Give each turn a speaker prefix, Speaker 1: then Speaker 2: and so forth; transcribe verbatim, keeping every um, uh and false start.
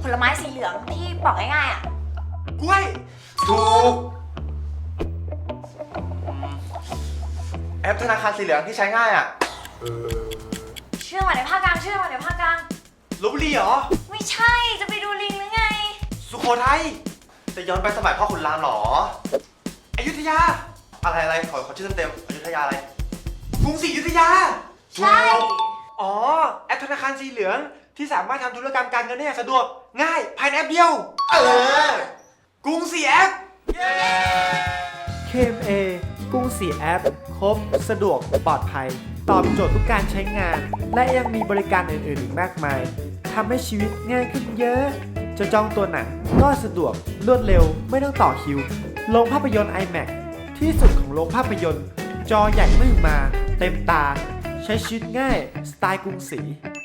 Speaker 1: ผลไม้สีเหลืองที่ปอกง่ายๆอ่ะ
Speaker 2: กล้วยถูกแอปธนาคารสีเหลืองที่ใช้ง่ายอ่ะเออ
Speaker 1: เชื่อมาในภาคกลางเชื่อมาในภาคกลาง
Speaker 2: ลพบุรีเหรอ
Speaker 1: ไม่ใช่จะไปดูลิงหรือไง
Speaker 2: สุโขทัยจะย้อนไปสมัยพ่อขุนรามเหรออยุธยาอะไรอะไรขอขอชื่อเต็มๆอยุธยาอะไรกรุงศรีอยุธยา
Speaker 1: ใช่
Speaker 2: อ๋อแอปธนาคารสีเหลืองที่สามารถทำธุรกรรมการเงินได้อย่างสะดวกง่ายภายในแอปเดียวเออกรุงศรีแอป
Speaker 3: เค เอ็ม เอ กรุงศรีแอป ครบ สะดวก ปลอดภัย ตอบโจทย์ทุกการใช้งาน และยังมีบริการอื่นๆอีกมากมาย ทำให้ชีวิตง่ายขึ้นเยอะ จะจองตัวหนังก็สะดวก รวดเร็ว ไม่ต้องต่อคิว โรงภาพยนตร์ ไอแม็กซ์ ที่สุดของโรงภาพยนตร์ จอใหญ่ไม่มา เต็มตา ใช้ชีวิตง่าย สไตล์กรุงศรี